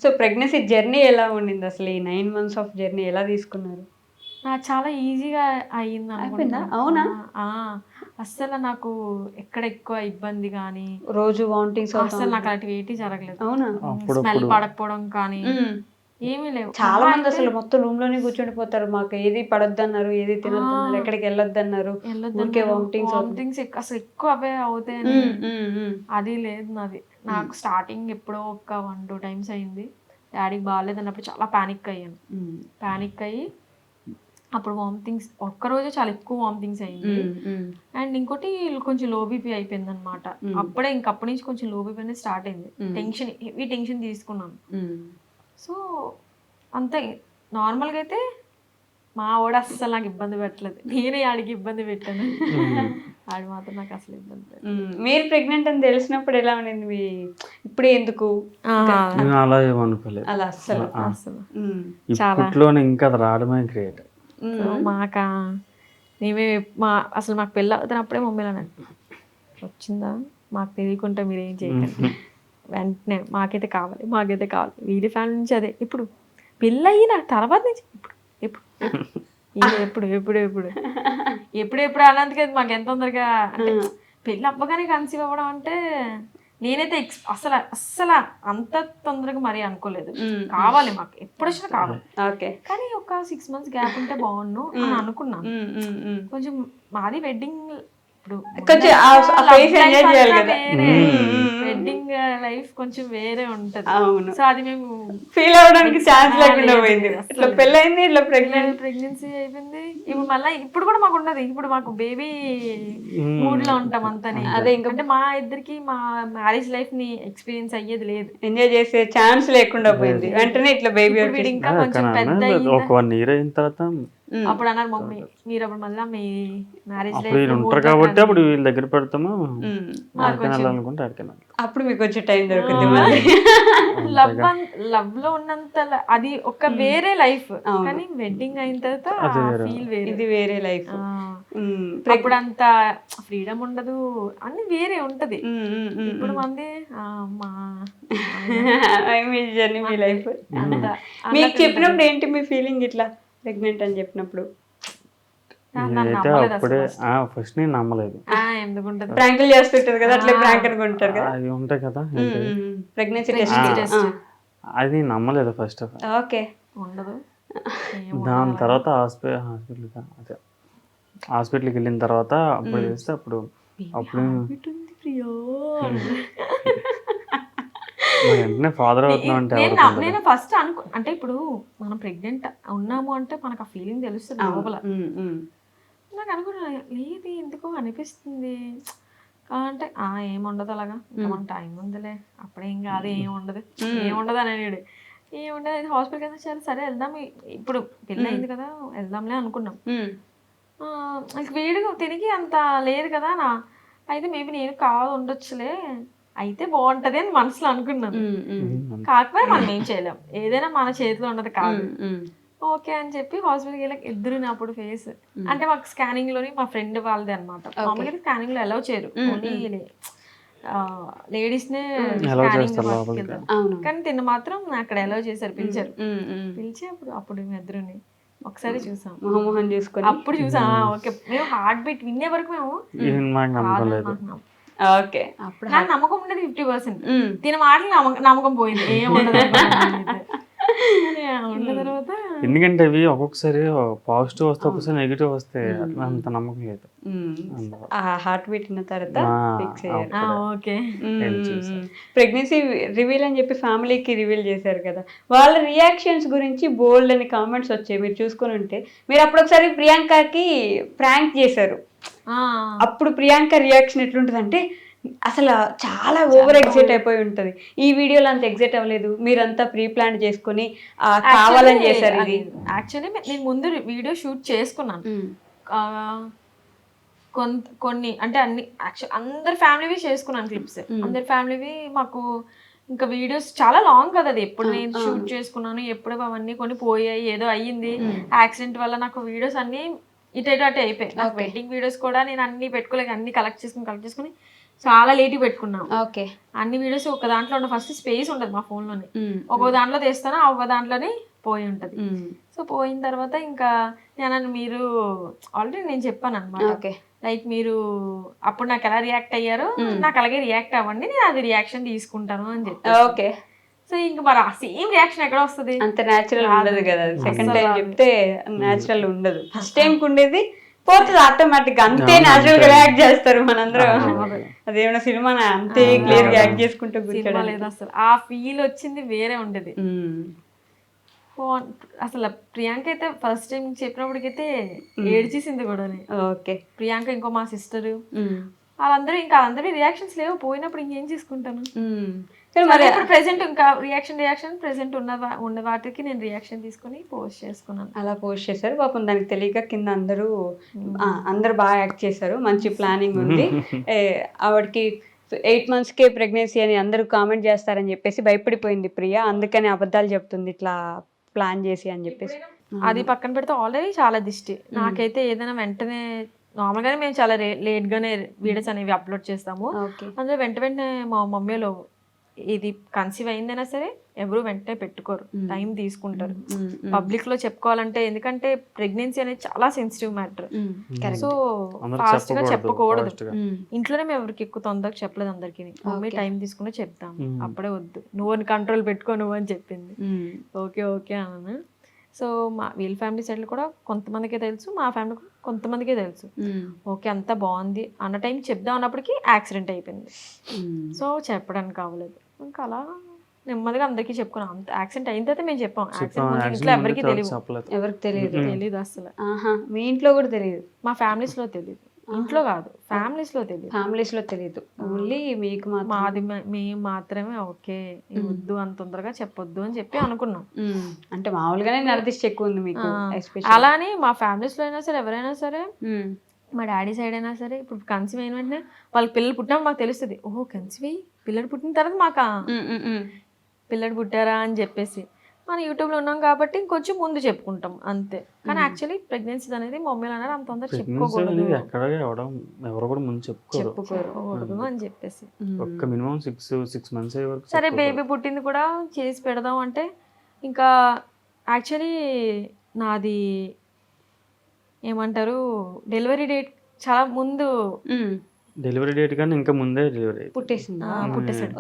So pregnancy journey ఎలా ఉండింది అసలు? ఈ 9 మంత్స్ ఆఫ్ జర్నీ ఎలా తీసుకున్నారు? నాకు చాలా ఈజీగా అయింది అయిపోయిందా? అనుకుంటున్నాను. అవునా? అస్సలు నాకు ఎక్కడ ఎక్కువ ఇబ్బంది కానీ రోజు వామిటింగ్స్ అసలు నాకు అలాంటివి ఏంటి జరగలేదు. అవునా? స్మెల్ పడకపోవడం కానీ ఏమీ లేవు. చాలా మంది అసలు మొత్తం రూమ్ లోనే కూర్చుండిపోతారు. మాకు ఏది పడొద్దన్నారు, ఏది తినొద్దన్నారు, ఎక్కడికి వెళ్ళొద్దన్నారు, ఊరికే వామిటింగ్స్ అసలు ఎక్కువ అవే అవుతాయని అది లేదు నాది. నాకు స్టార్టింగ్ ఎప్పుడో ఒక 1-2 టైమ్స్ అయింది. డాడీకి బాగాలేదు అన్నప్పుడు చాలా పానిక్ అయ్యాను. పానిక్ అయ్యి అప్పుడు వామిటింగ్స్ ఒక్కరోజే చాలా ఎక్కువ వామిటింగ్స్ అయ్యింది. అండ్ ఇంకోటి కొంచెం లో బీపీ అయిపోయింది అనమాట. అప్పుడే ఇంకప్పటి నుంచి కొంచెం లో బీపీ అనేది స్టార్ట్ అయింది. టెన్షన్, హెవీ టెన్షన్ తీసుకున్నాను. సో అంతే. నార్మల్గా అయితే మా వాడు అస్సలు నాకు ఇబ్బంది పెట్టలేదు. నేనే ఆడికి ఇబ్బంది పెట్టాను. ఆడు మాత్రం నాకు అసలు ఇబ్బంది పెట్టలేదు. మీరు ప్రెగ్నెంట్ అని తెలిసినప్పుడు ఎలా ఉండింది? మీ ఇప్పుడే ఎందుకు అలా ఏమనుకోలేదు అలా అస్సలు అసలు ఇప్పట్లోనే ఇంకా అది రావడమే గ్రేట్. మేమే అసలు మాకు పెళ్ళి అవుతున్నప్పుడే మమ్మీలో వచ్చిందా మాకు తెలియకుండా మీరు ఏం చేయకండి, వెంటనే మాకైతే కావాలి వీడి ఫ్యామిలీ నుంచి అదే. ఇప్పుడు పెళ్ళి అయిన తర్వాత నుంచి ఎప్పుడు అన్నందుకే మాకు ఎంత తొందరగా అంటే పెళ్ళి అవ్వగానే కన్సీవ్ అవ్వడం అంటే నేనైతే అస్సలు అంత తొందరగా మరీ అనుకోలేదు. కావాలి మాకు ఎప్పుడు వచ్చినా కావాలి, కానీ ఒక 6 months గ్యాప్ ఉంటే బాగుండు అని అనుకున్నాను. కొంచెం మాది వెడ్డింగ్, ఇప్పుడు వెడ్డింగ్ లైఫ్ కొంచెం వేరే ఉంటది. సో అది మేము ఫీల్ అవడానికి ఛాన్స్ లేకుండా పోయింది. ఇట్లా పెళ్ళైంది, ఇట్లా ప్రెగ్నెన్సీ అయిపోయింది. ఇప్పుడు మళ్ళీ ఇప్పుడు కూడా మాకు ఉండదు. ఇప్పుడు మాకు బేబీ మూడ్ లో ఉంటాం అంతని. అదే అంటే మా ఇద్దరికి మా మ్యారేజ్ లైఫ్ ని ఎక్స్పీరియన్స్ అయ్యేది లేదు, ఎంజాయ్ చేసే ఛాన్స్ లేకుండా పోయింది. వెంటనే ఇట్లా బేబీ ఇంకా కొంచెం పెద్ద ఒక 1 year అయిన తర్వాత అప్పుడు అన్నారు మమ్మీ మీరు అప్పుడు మళ్ళీ మీ మ్యారేజ్ లైఫ్ ఉంటారు కాబట్టి అప్పుడు వీళ్ళ దగ్గర పెడతాము అనుకుంటే అప్పుడు మీకు వచ్చే టైం దొరుకుతుంది. లవ్ లో ఉన్నంత అది ఒక వేరే లైఫ్, కానీ వెడ్డింగ్ అయిన తర్వాత ఫీల్ వేరే, ఇది వేరే లైఫ్. అప్పుడు అంత ఫ్రీడమ్ ఉండదు, అన్ని వేరే ఉంటది. ఇప్పుడు మంది మీ లైఫ్ మీకు చెప్పినప్పుడు ఏంటి మీ ఫీలింగ్? ఇట్లా ప్రెగ్నెంట్ అని చెప్పినప్పుడు అప్పుడే ఫస్ట్ నేను నమ్మలేదు. ప్రాంకులు చేస్తుంటారు కదా, అట్లా ప్రాంక్ అనుకుంటారు కదా, అవి ఉంటాయి కదా ప్రెగ్నెన్సీ టెస్ట్. అది నేను నమ్మలేదు ఫస్ట్ ఆఫ్ ఆల్. ఓకే, ఉండదు. దాని తర్వాత హాస్పిటల్కి వెళ్ళిన తర్వాత అప్పుడు చేస్తే అప్పుడు వెంటనే ఫాదర్ అవుతున్నావు అంటే నేను ఫస్ట్ అంటే ఇప్పుడు మనం ప్రెగ్నెంట్ ఉన్నాము అంటే మనకు ఆ ఫీలింగ్ తెలుస్తుంది లోపల. నాకు అనుకున్నా లేదు ఎందుకో అనిపిస్తుంది అంటే ఏముండదు అలాగా, మన టైం ఉందిలే, అప్పుడేం కాదు, ఏముండదు అని అన్నాడు. ఏముండదు హాస్పిటల్కి వెళ్తే సరే వెళ్దాం, ఇప్పుడు పెళ్ళి అయింది కదా వెళ్దాంలే అనుకున్నాం. వేడిగా తిరిగి అంత లేదు కదా అయితే మేబీ నేను కాదు ఉండొచ్చులే, అయితే బాగుంటది అని మనసులో అనుకున్నాను. కాకపోతే మనం ఏం చేయలేం, ఏదైనా మన చేతిలో ఉన్నది కాదు. ఓకే అని చెప్పి హాస్పిటల్కి వెళ్ళి ఇద్దరు అప్పుడు ఫేస్ అంటే మాకు స్కానింగ్ లోని మా ఫ్రెండ్ వాళ్ళది అనమాట. మామూలుగా స్కానింగ్ లో అలౌ చేయరు, ఓన్లీ లేడీస్ నే స్కానింగ్ కానీ తిన్న మాత్రం అక్కడ అలౌ చేశారు, పిలిచి అప్పుడు మేము ఇద్దరుని ఒకసారి చూసాం, మొహం చూసుకొని అప్పుడు చూసాం. ఓకే, మేము హార్ట్ బీట్ వినే వరకు మేము ఓకే అప్పుడు నాకు నమ్మకం ఉండేది 50%. తిన మాటలు నమ్మకం పోయింది, ఏముండదు. తర్వాత ఎందుకంటే అవి ఒక్కొక్కసారి పాజిటివ్ వస్తే ఒక్కొక్కసారి నెగిటివ్ వస్తే అంత నమ్మకం లేదు. హార్ట్ బీట్ ఉన్న తర్వాత ఓకే ప్రెగ్నెన్సీ రివీల్ అని చెప్పి ఫ్యామిలీకి రివీల్ చేశారు కదా, వాళ్ళ రియాక్షన్స్ గురించి బోల్డ్ అని కామెంట్స్ వచ్చాయి. మీరు చూసుకొని ఉంటే మీరు అప్పుడు ఒకసారి ప్రియాంకకి ప్రాంక్ చేశారు. అప్పుడు ప్రియాంక రియాక్షన్ ఎట్లుంటుంది అంటే అసలు చాలా ఓవర్ ఎగ్జైట్ అయిపోయి ఉంటది. ఈ వీడియోలో అంత ఎగ్జైట్ అవ్వలేదు, మీరంతా ప్రీ ప్లాన్ చేసుకుని కావాలని చేశారు. ఇది యాక్చువల్లీ నేను ముందు వీడియో షూట్ చేసుకున్నాను కొన్ని, అంటే అన్ని అందరి ఫ్యామిలీవి చేసుకున్నాను క్లిప్స్, అందరి ఫ్యామిలీవి. మాకు ఇంకా వీడియోస్ చాలా లాంగ్ కదా, అది ఎప్పుడు నేను షూట్ చేసుకున్నాను, ఎప్పుడు అవన్నీ కొన్ని పోయాయి, ఏదో అయ్యింది యాక్సిడెంట్ వల్ల. నాకు వీడియోస్ అన్ని ఇటు అయిపోయాయి. నాకు వెడ్డింగ్ వీడియోస్ కూడా నేను అన్ని పెట్టుకోలేక అన్ని కలెక్ట్ చేసుకుని చాలా లేట్ పెట్టుకున్నాం. ఓకే. అన్ని వీడియోస్ ఒక దాంట్లో ఉన్న ఫస్ట్ స్పేస్ ఉండదు మా ఫోన్ లోనే, ఒక్కో దాంట్లో తీస్తాను, ఒక దాంట్లోనే పోయి ఉంటది. సో పోయిన తర్వాత ఇంకా నేను మీరు ఆల్రెడీ నేను చెప్పాను అనమాట, ఓకే. లైక్ మీరు అప్పుడు నాకు ఎలా రియాక్ట్ అయ్యారో నాకు అలాగే రియాక్ట్ అవ్వండి, నేను అది రియాక్షన్ తీసుకుంటాను అని చెప్పి. ఓకే. సో ఇంకా మరి ఆ సేమ్ రియాక్షన్ ఎక్కడ వస్తుంది, అంత న్యాచురల్ ఉండదు కదా. సెకండ్ టైం అస్సలు చెప్తే న్యాచురల్ ఉండదు. ఫస్ట్ టైం ఉండేది పోతుంది ఆటోమేటిక్ గా, అంతే న్యాచురల్ గా రియాక్ట్ చేస్తారు మనందరం. అదేమన్నా సినిమా అంతే క్లియర్ గా యాక్ట్ చేసుకుంటూ సినిమా కూర్చోడం. లేదు అసలు. ఆ ఫీల్ వచ్చింది వేరే ఉండేది. అసలు ప్రియాంక అయితే ఫస్ట్ టైం చెప్పినప్పటికైతే ఏడ్చేసింది కూడా. ఓకే. ప్రియాంక ఇంకో మా సిస్టర్ వాళ్ళందరూ ఇంకా అందరి రియాక్షన్స్ లేవు, పోయినప్పుడు ఇంకేం చేసుకుంటాను. మరి ఇప్పుడు ప్రెసెంట్ ఇంకా రియాక్షన్ ప్రెసెంట్ ఉన్న వాటికి నేను రియాక్షన్ తీసుకుని పోస్ట్ చేసుకున్నాను. అలా పోస్ట్ చేశారు. పాపం దానికి తెలియక కింద అందరూ బాగా యాక్ట్ చేశారు. మంచి ప్లానింగ్ ఉంది. ఆవిడకి 8 monthsకే ప్రెగ్నెన్సీ అని అందరూ కామెంట్ చేస్తారని చెప్పేసి భయపడిపోయింది ప్రియా. అందుకని అబద్ధాలు చెప్తుంది ఇట్లా ప్లాన్ చేసి అని చెప్పేసి. అది పక్కన పెడితే ఆల్రెడీ చాలా దిష్టి. నాకైతే ఏదైనా వెంటనే నార్మల్గానే మేము చాలా లేట్గానే వీడియోస్ అనేవి అప్లోడ్ చేస్తాము. అందులో వెంటనే మా మమ్మీలో ఇది కన్సీవ్ అయిందైనా సరే ఎవరు వెంటనే పెట్టుకోరు, టైం తీసుకుంటారు పబ్లిక్ లో చెప్పుకోవాలంటే. ఎందుకంటే ప్రెగ్నెన్సీ అనేది చాలా సెన్సిటివ్ మ్యాటర్. సో ఫాస్ట్ గా చెప్పకూడదు. ఇంట్లోనే మేము ఎవరికి ఎక్కువ తొందరగా చెప్పలేదు అందరికి. మమ్మీ టైం తీసుకుని చెప్తాము, అప్పుడే వద్దు నువ్వు కంట్రోల్ పెట్టుకో నువ్వు అని చెప్పింది. ఓకే ఓకే అన్నాను. సో వీళ్ళ ఫ్యామిలీ సైడ్ కూడా కొంతమందికే తెలుసు, మా ఫ్యామిలీ కూడా కొంతమందికే తెలుసు. ఓకే అంతా బాగుంది అన్న టైం చెప్దాం అన్నప్పటికీ యాక్సిడెంట్ అయిపోయింది. సో చెప్పడానికి కావలేదు. ఇంకా అలా నెమ్మదిగా అందరికీ చెప్పుకున్నాం. అంత యాక్సిడెంట్ అయిన తర్వాత మేము చెప్పాం. యాక్సిడెంట్ ఇంట్లో ఎవరికి తెలియదు అసలు. మీ ఇంట్లో కూడా తెలియదు? మా ఫ్యామిలీస్ లో తెలియదు, ఇంట్లో కాదు ఫ్యామిలీస్ లో తెలియదు. ఓన్లీ మీకు మాది మేము మాత్రమే ఓకే వద్దు అంత తొందరగా చెప్పొద్దు అని చెప్పి అనుకున్నాం. అంటే మామూలుగానే నరదిష్టి ఎక్కువ ఉంది మీకు. అలానే మా ఫ్యామిలీస్ లో అయినా సరే ఎవరైనా సరే, మా డాడీ సైడ్ అయినా సరే, ఇప్పుడు కన్సీవ్ అయిన వెంటనే వాళ్ళకి పిల్లలు పుట్టినప్పుడు మాకు తెలుస్తుంది. ఓహో కన్సీవ్ అయ్యి పిల్లలు పుట్టిన తర్వాత మాకు పిల్లలు పుట్టారా అని చెప్పేసి మనం యూట్యూబ్లో ఉన్నాం కాబట్టి ఇంకొంచెం ముందు చెప్పుకుంటాం అంతే. కానీ యాక్చువల్లీ ప్రెగ్నెన్సీ అనేది మమ్మీలు అన్నారు అంత తొందర చెప్పుకోకూడదు అని చెప్పేసి. సరే బేబీ పుట్టింది కూడా చేసి పెడదాం అంటే ఇంకా యాక్చువల్లీ నాది ఏమంటారు డెలివరీ డేట్ చాలా ముందు, డెలివరీ డేట్ కానీ ఇంకా ముందే డెలివరీ పుట్టేసాడు.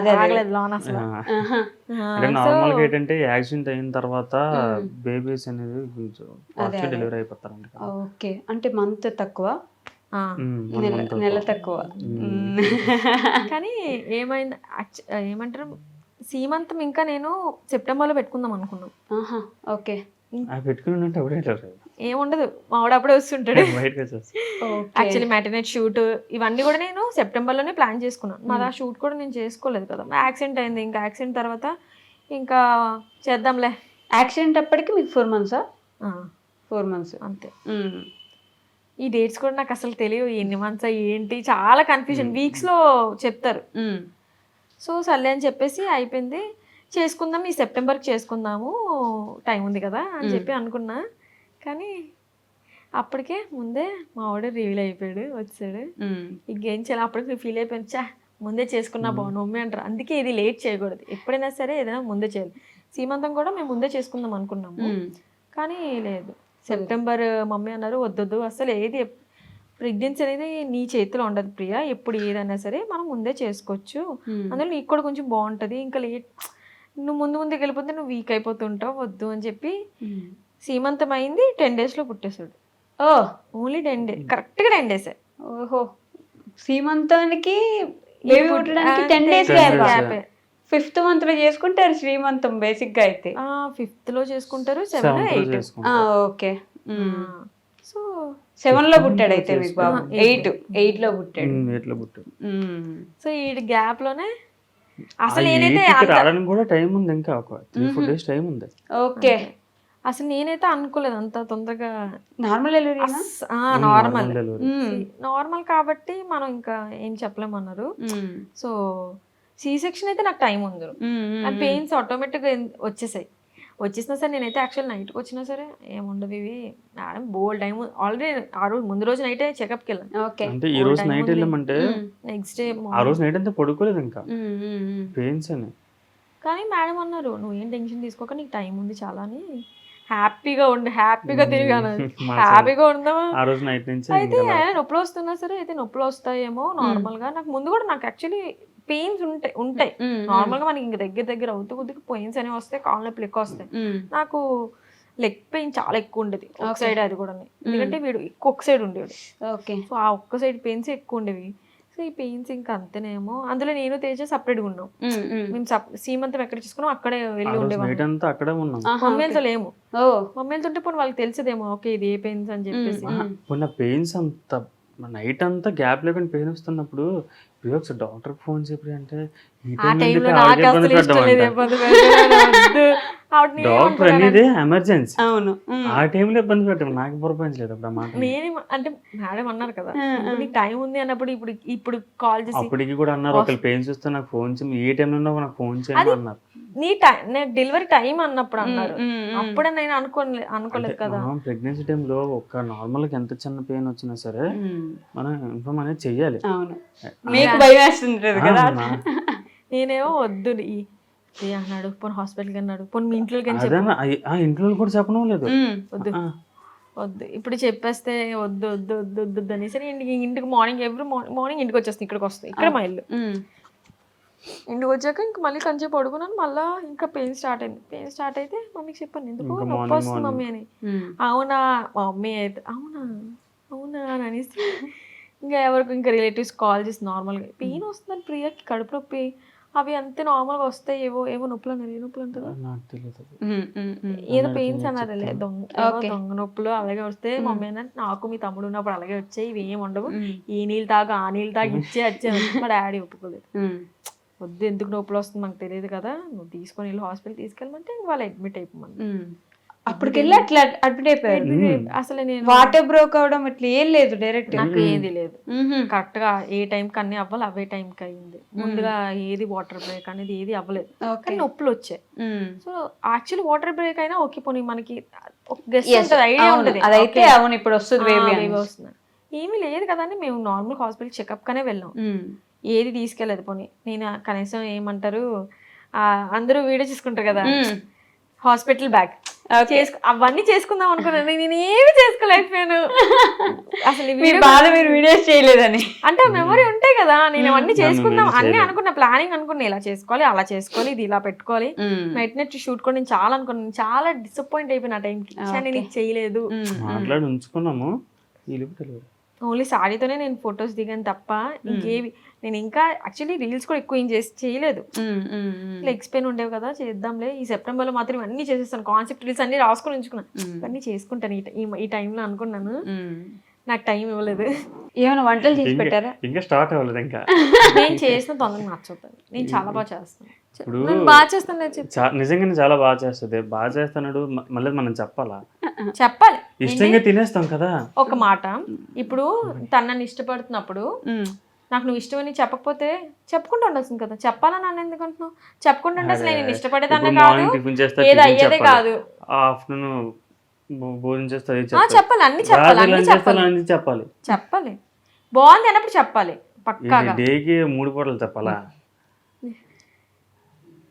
నార్మల్ గా ఏంటంటే యాక్సిడెంట్ అయిన తర్వాత బేబీస్ అనేది డెలివరీ అయిపోతారంట. ఓకే. అంటే మంత్ తక్కువ, నెల తక్కువ. కానీ ఏమైంది ఏమంటారు సీమంతం ఇంకా నేను సెప్టెంబర్ లో పెట్టుకుందాం అనుకున్నాం. ఓకే. పెట్టుకుని ఏముండదు మావాడు అప్పుడే వస్తుంటాడు. యాక్చువల్లీ మ్యాటర్నెట్ షూట్ ఇవన్నీ కూడా నేను సెప్టెంబర్ లోనే ప్లాన్ చేసుకున్నాను. మాది ఆ షూట్ కూడా నేను చేసుకోలేదు కదా, యాక్సిడెంట్ అయింది. ఇంకా యాక్సిడెంట్ తర్వాత ఇంకా చేద్దాంలే. యాక్సిడెంట్ అప్పటికి మీకు 4 months? 4 months అంతే. ఈ డేట్స్ కూడా నాకు అసలు తెలియదు, ఎన్ని మంత్స్ ఏంటి చాలా కన్ఫ్యూజన్. వీక్స్ లో చెప్తారు. సో సర్లే అని చెప్పేసి అయిపోయింది. చేసుకుందాం ఈ సెప్టెంబర్కి చేసుకుందాము టైం ఉంది కదా అని చెప్పి అనుకున్నా. కానీ అప్పటికే ముందే మా వాడు రివీల్ అయిపోయాడు, వచ్చాడు. ఇంకేం చేయాలి అప్పటికి ఫీల్ అయిపోయింది, చా ముందే చేసుకున్నా బాగుండు మమ్మీ అంటారు. అందుకే ఇది లేట్ చేయకూడదు, ఎప్పుడైనా సరే ఏదైనా ముందే చేయాలి. సీమంతం కూడా మేము ముందే చేసుకుందాం అనుకున్నాము, కానీ లేదు సెప్టెంబర్ మమ్మీ అన్నారు. వద్దొద్దు అసలు ఏది ప్రెగ్నెన్సీ అనేది నీ చేతిలో ఉండదు ప్రియా, ఎప్పుడు ఏదైనా సరే మనం ముందే చేసుకోవచ్చు, అందులో నీకు కూడా కొంచెం బాగుంటుంది. ఇంకా లేట్ నువ్వు ముందుకు వెళ్ళిపోతే నువ్వు వీక్ అయిపోతుంటావు, వద్దు అని చెప్పి సీమంతం అయింది 10 days లో పుట్టేశాడు. ఓన్లీ 10 days, కరెక్ట్గా 10 days. ఓహో. సీమంతానికి బేబీ పుట్టడానికి 10 days గ్యాప్. 5th month లో చేసుకుంటారు శ్రీమంతం బేసిక్ గా అయితే. 5th లో చేసుకుంటారు, 7, 8. ఓకే. సో 7 లో పుట్టాడు అయితే మీకు బాబు. 8 లో పుట్టాడు. సో ఈ గ్యాప్ లోనే అసలు నేనైతే కూడా టైం ఉంది, ఇంకా ఒక 3-4 days టైం ఉంది. ఓకే. అసలు నేనైతే అనుకోలేదు అంత తొందరగా. నార్మల్ నార్మల్ కాబట్టి మనం ఇంకా ఏం చెప్పలేమన్నారు. సో సి సెక్షన్ అయితే నాకు టైం ఉంది, పెయిన్స్ ఆటోమేటిక్ గా వచ్చేసాయి. వచ్చేసినా సరే నేనైతే యాక్చువల్ నైట్కి వచ్చినా సరే ఏముండదు ఇవి మేడం బోల్ టైం ఆల్రెడీ ఆ రోజు ముందు రోజు నైటే చెకప్కి వెళ్ళాను. ఓకే. అంటే ఈ రోజు నైట్ వెళ్ళామంటే నెక్స్ట్ డే ఆ రోజు నైట్ అంతా పడుకోలేదు ఇంకా పెయిన్స్ అని. కానీ మేడం అన్నారు నువ్వు ఏం టెన్షన్ తీసుకోక నీకు టైం ఉంది చాలా అని, హ్యాపీగా ఉండి హ్యాపీగా తిరిగాను, హ్యాపీగా ఉందామా. ఆ రోజు నైట్ నుంచి అయితే నొప్పులు వస్తున్నా సరే అయితే నొప్పులు వస్తాయేమో నార్మల్ గా. నాకు ముందు కూడా నాకు యాక్చువల్లీ పెయిన్స్ ఉంటాయి నార్మల్ గా, మనకి ఇంక దగ్గర అవుతూ కొద్దిగా పెయిన్స్ అనేవి వస్తాయి, కాళ్ళ నొప్పులు ఎక్కువ వస్తాయి. నాకు లెగ్ పెయిన్ చాలా ఎక్కువ ఉండేది ఒక సైడ్, అది కూడా ఎందుకంటే వీడు ఒక్క సైడ్ ఉండేవాడు. ఓకే. సో ఆ ఒక్క సైడ్ పెయిన్స్ ఎక్కువ ఉండేవి. సో ఈ పెయిన్స్ ఇంకా అంతేనేమో. అందులో నేను తేజ సపరేట్గా ఉన్నాం, మేము సీమంతం ఎక్కడ చేసుకున్నాం అక్కడే వెళ్ళి ఉండేవాళ్ళం. అక్కడే ఉన్నాం, మమ్మీలతో లేము. మమ్మీలతో ఉంటే పోనీ వాళ్ళకి తెలిసేదేమో ఓకే ఇది ఏ పెయిన్స్ అని చెప్పేసి. పెయిన్స్ అంత నైట్ అంతా గ్యాప్ లేకుండా పెయిన్ వస్తున్నప్పుడు ఒకసారి డాక్టర్కి ఫోన్ చెప్పి అంటే ఆ టైంలో నాకు అసలు ఇష్టం లేదు ఇబ్బంది డాక్టర్ అనేది ఎమర్జెన్సీ. అవును. ఆ టైంలో ఇబ్బంది పెట్టాము, నాకు పొరపాయించలేదు అప్పుడు మాట. నేను అంటే మేడం అన్నారు కదా నీకు టైం ఉంది అన్నప్పుడు ఇప్పుడు కాల్ చేసి అప్పటికి కూడా అన్నారు ఒకళ్ళు పెయిన్స్ వస్తే నాకు ఫోన్ చేయండి, ఏ టైంలో ఉన్నా నాకు ఫోన్ చేయండి అన్నారు. నీ డెలివరీ టైం అన్నప్పుడు అన్నారు, అప్పుడే నేను అనుకోలేదు కదా. ప్రెగ్నెన్సీ టైంలో ఒక నార్మల్ గా ఎంత చిన్న పెయిన్ వచ్చినా సరే మనం ఇన్ఫార్మ్ అనేది చెయ్యాలి. నేనేమో వద్దు అన్నాడు, పోనీ హాస్పిటల్కి అన్నాడు, పోనీ మీ ఇంట్లోకి ఇంట్లో కూడా చెప్పడం లేదు, వద్దు వద్దు ఇప్పుడు చెప్పేస్తే వద్దు వద్దు వద్దు వద్దు అనేసి ఇంటికి మార్నింగ్ ఎవ్రీ మార్నింగ్ ఇంటికి వచ్చేస్తాను, ఇక్కడికి వస్తాయి, ఇక్కడ మా ఇల్లు. ఇంటికి వచ్చాక ఇంక మళ్ళీ కొంచెం పడుకున్నాను, మళ్ళీ ఇంకా పెయిన్ స్టార్ట్ అయింది. పెయిన్ స్టార్ట్ అయితే మమ్మీకి చెప్పాను ఎందుకు నొప్పి వస్తుంది మమ్మీ అని. అవునా మమ్మీ అయితే అవునా అవునా అని అనేసి ఇంకా ఎవరికి ఇంకా రిలేటివ్స్ కాల్ చేసి నార్మల్గా పెయిన్ వస్తుందని ప్రియాకి కడుపు నొప్పి అవి అంతే నార్మల్గా వస్తాయి, ఏవో నొప్పులు అన్నారు. ఏ నొప్పులు అంటారు ఏదో పెయిన్స్ అన్నారు, దొంగ నొప్పులు అలాగే వస్తే మమ్మీ అన్నట్టు నాకు మీ తమ్ముడు ఉన్నప్పుడు అలాగే వచ్చాయి, ఇవి ఏమి ఉండవు, ఈ నీళ్ళు తాగు ఆ నీళ్ళు తాగి వచ్చే మా డాడీ ఒప్పుకోలేదు. వద్దు ఎందుకు నొప్పులు వస్తుంది మనకు తెలియదు కదా, నువ్వు తీసుకొని వెళ్ళి హాస్పిటల్ తీసుకెళ్ళమంటే వాళ్ళు అడ్మిట్ అయిపోమని. అప్పటికెళ్ళి అట్లా అడ్మిట్ అయిపోయారు. అసలు నేను వాటర్ బ్రోక్ అవడం ఇట్లా ఏం లేదు, డైరెక్ట్ నాకు ఏది లేదు, కరెక్ట్ గా ఏ టైంకి అన్ని అవ్వాలి అవే టైంకి అయింది. ముందుగా ఏది వాటర్ బ్రేక్ అనేది ఏది అవ్వలేదు, కానీ నొప్పులు వచ్చాయి. సో యాక్చువల్లీ వాటర్ బ్రేక్ అయినా ఓకే పోనీ మనకి ఐడియా ఉంటుంది అదైతే అవును ఇప్పుడు వస్తుంది బేబీ వస్తుంది, ఏమీ లేదు కదా అని మేము నార్మల్ హాస్పిటల్ చెకప్ గానే వెళ్ళాం, ఏది తీసుకెళ్ళలేదు. పోనీ నేను కనీసం ఏమంటారు అందరూ వీడియో చేసుకుంటారు కదా హాస్పిటల్ బ్యాగ్ అవన్నీ చేసుకుందాం అనుకున్నాను, నేను ఏమి చేసుకోలేకపోయాను. అసలు మీరు వీడియోస్ చేయలేదని అంటే మెమరీ ఉంటాయి కదా, నేను అవన్నీ చేసుకుందాం అన్ని అనుకున్నా, ప్లానింగ్ అనుకున్నా, ఇలా చేసుకోవాలి అలా చేసుకోవాలి ఇది ఇలా పెట్టుకోవాలి, నైట్ షూట్ కూడా నేను చాలా అనుకున్నాను. చాలా డిసప్పాయింట్ అయిపోయిన ఆ టైంకి, నేను ఇది చేయలేదు. ఓన్లీ సాడీతోనే నేను ఫొటోస్ దిగాను తప్ప ఇంకేవి నేను ఇంకా యాక్చువల్లీ రీల్స్ కూడా ఎక్కువ ఏం చేయలేదు. లెగ్స్ పెయిన్ ఉండేవి కదా చేద్దాంలే ఈ సెప్టెంబర్లో మాత్రం అన్ని చేసేస్తాను, కాన్సెప్ట్ రీల్స్ అన్ని రాసుకొని ఉంచుకున్నాను, ఇవన్నీ చేసుకుంటాను ఈ టైంలో అనుకున్నాను. నాకు టైం ఇవ్వలేదు. ఏమైనా వంటలు చేసి పెట్టారా? ఇంకా స్టార్ట్ అవ్వలేదు. ఇంకా నేను చేసిన తొందరగా నచ్చుతాను, నేను చాలా బాగా చేస్తాను, బాగా చేస్తాను. నిజంగానే చాలా బాగా చేస్తుంది, బాగా చేస్తున్నాడు మళ్ళీ మనం చెప్పాలి, ఇష్టంగా తినేస్తాం కదా. ఒక మాట ఇప్పుడు తనని ఇష్టపడుతున్నప్పుడు నాకు నువ్వు ఇష్టమని చెప్పకపోతే చెప్పుకుంటూ ఉండాల్సింది కదా, చెప్పాలని నన్ను ఎందుకు అంటున్నావు? చెప్పుకుంటూ ఉంటే అసలు నేను ఇష్టపడేదాన్ని కాదు, ఏది అయ్యేదే కాదు. ఆఫ్టర్నూన్ భోజనం చేస్తే చెప్పాలి, అన్ని చెప్పాలి, చెప్పాలి బాగుంది అన్నప్పుడు చెప్పాలి పక్కాగా. డేకి 3 పూటలు చెప్పాలా?